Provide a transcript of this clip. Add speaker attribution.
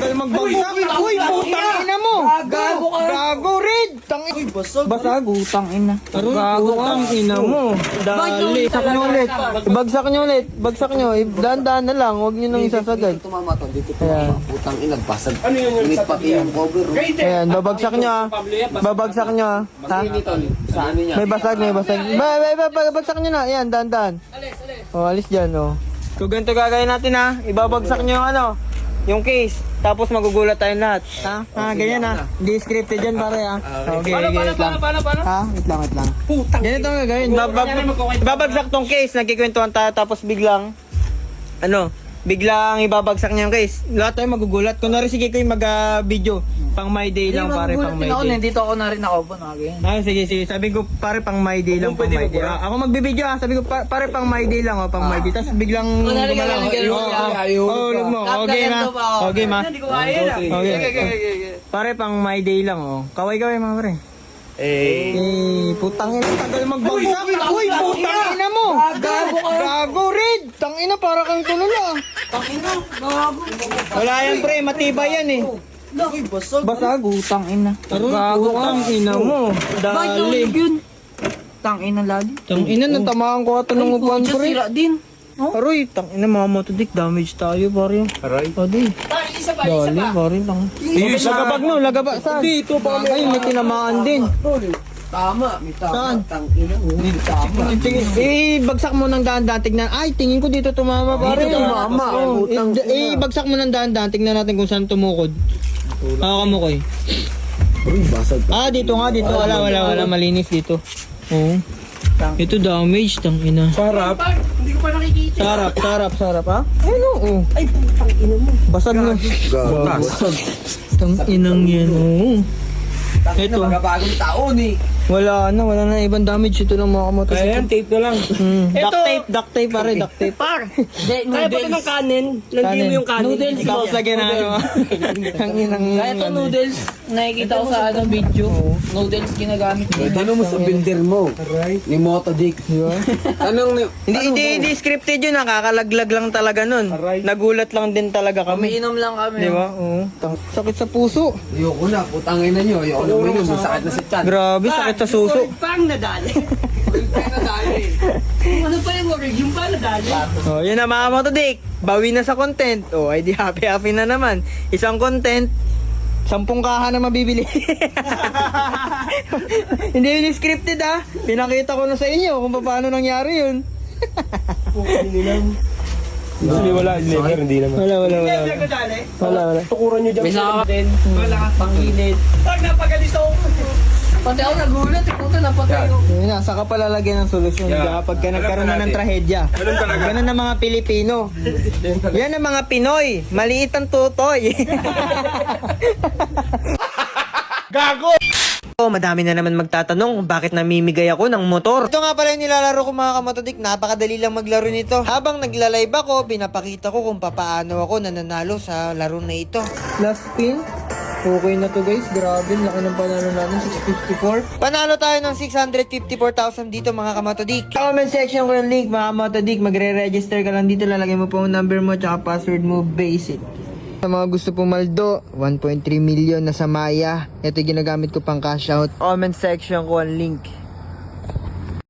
Speaker 1: tagal magbagsak. Uy, putang ina mo.
Speaker 2: Gago ka.
Speaker 1: Gago, Red. Tangin.
Speaker 2: Uy, basag.
Speaker 1: Basag, utang ina. Gago ka. Ina mo. Dali. Bagsak nyo ulit. Bagsak nyo ulit. Bagsak nyo. Dahan-dahan na lang. Huwag nyo nang isasagad.
Speaker 2: Dito tumama to, dito tumama. Putang ina, basag. Ano yun? Init pati yung cover.
Speaker 1: Ayan, babagsak nyo ah. Babagsak nyo ah. Ha?
Speaker 2: Sa ano niya?
Speaker 1: May basag, may basag. Bagsak nyo na. Ayan, dahan-dahan. O, alis dyan o. So, ganito gagawin natin ha. Ibabagsak nyo yung ano, yung case. Tapos magugulat tayong lahat. Ha? Ganyan ha. Hindi scripted dyan pare ha. Okay, wait lang. Ha? Wait lang. Ganito ang gagawin. Ibabagsak tong case. Nagkikwentuhan tayo tapos biglang, biglang ibabagsak niya yung case. Lahat tayo magugulat. Kunwari sige ko yung mag-video. Pang my day lang pare, pang my day.
Speaker 3: Dito ako na rin nakaupo na again.
Speaker 1: Sige. Sabi ko pare pang my day lang, pang my day. Ako magbibideo ah. Sabi ko pare pang my day lang, pang my day. Tapos biglang gumalaw. Lugmo. Okay ma. Okay ma. Okay. Pare pang my day lang oh. Kaway mga pare. Putang ina, tagal magbagsak. Uy, putang ina mo. Gago, Red. Tang ina para kang tulala.
Speaker 3: Pakina, gago.
Speaker 1: Wala yan pre, matibay yan eh.
Speaker 2: Uy, basag.
Speaker 3: Basag, utang ina.
Speaker 1: Gago tang ina mo. Dali.
Speaker 3: Yun. Tang ina lali.
Speaker 1: Tang ina, natamaan ko ata ng upuan
Speaker 3: Pucha,
Speaker 1: pre.
Speaker 3: sira din.
Speaker 1: Aroy, tang ina mga motodik, damage tayo pare.
Speaker 2: Aray.
Speaker 1: Adi. Dali, pare lang. Lagabag no, lagabag. Saan? Dito pa. Ay, may tinamaan din.
Speaker 2: Tama, may tama.
Speaker 1: Saan?
Speaker 2: Tang ina mo. Tama.
Speaker 1: Bagsak mo ng dahan-dahan, tignan. Ay, tingin ko dito tumama pare.
Speaker 2: Dito tumama.
Speaker 1: Oo.
Speaker 2: Utang.
Speaker 1: Bagsak mo ng dahan-dahan, tignan natin kung saan tumukod. Kamukoy.
Speaker 2: Uy, basag.
Speaker 1: Dito nga, dito. Wala. Malinis dito. Oo. Ito damage, tang ina.
Speaker 2: Sarap.
Speaker 3: Hindi ko pa nakikita.
Speaker 1: Sarap, ha? Ayun, oo.
Speaker 3: Ay, putang ina mo.
Speaker 1: Basag na.
Speaker 2: Basag.
Speaker 1: Tang inang yan, oo.
Speaker 2: Ito. Magabagong taon eh.
Speaker 1: Wala na ibang damage. Ito lang mga kamotos.
Speaker 4: Ayan, tape na lang.
Speaker 1: Duct tape pare, duct tape.
Speaker 4: Kaya pati ng kanin. Landi mo yung kanin.
Speaker 3: Noodles.
Speaker 1: Tapos lagyan na ano. Ang inang
Speaker 3: Kaya ito noodles, nakikita ko sa video. Noodles ginagamit ko.
Speaker 2: Tanong mo sa builder mo. Ni Motodick. Tanong ni...
Speaker 1: Hindi scripted yun, nakakalaglag lang talaga nun. Nagulat lang din talaga kami.
Speaker 3: Umiinom lang kami.
Speaker 1: Di ba? Oo. Sakit sa puso.
Speaker 2: Ayoko na, putangin na nyo. Ayoko na uminom. Masakit na sa tiyan.
Speaker 1: Grabe, sakit sa suso.
Speaker 4: Pang nadali. Ano pa yung word? Yung pa nadali.
Speaker 1: Oh, yun na mga motodik. Bawi na sa content. Oh, ay di happy na naman. Isang content, 10 kaha na mabibili. Hindi yun scripted ah. Pinakita ko na sa inyo kung paano nangyari yun.
Speaker 4: Hindi, wala. Hindi naman.
Speaker 1: Wala.
Speaker 4: Tukuran nyo dyan.
Speaker 3: May saka
Speaker 4: din. Wala ka panginit. Pag napagalis ako.
Speaker 3: Pati ako nagulat, puta napatay ko.
Speaker 1: Yun na, saka palalagyan ng solusyon. Kapag ka nagkaroon na ng trahedya. Ganun ang mga Pilipino. Yan ang mga Pinoy. Maliit ang tutoy. Gago! Madami na naman magtatanong kung bakit namimigay ako ng motor. Ito nga pala yung nilalaro ko mga kamotodik. Napakadali lang maglaro nito. Habang nagla-live ako, pinapakita ko kung papaano ako nananalo sa laro na ito. Last spin. Okay na to guys, grabe, laki ng panalo natin, 654. Panalo tayo ng 654,000 dito mga kamatodik. Sa comment section ko yung link mga kamatodik, magre-register ka lang dito, lalagay mo po ang number mo tsaka password mo, basic. Sa mga gusto pumaldo, 1.3 million na sa Maya. Ito yung ginagamit ko pang cash out. Comment section ko ang link.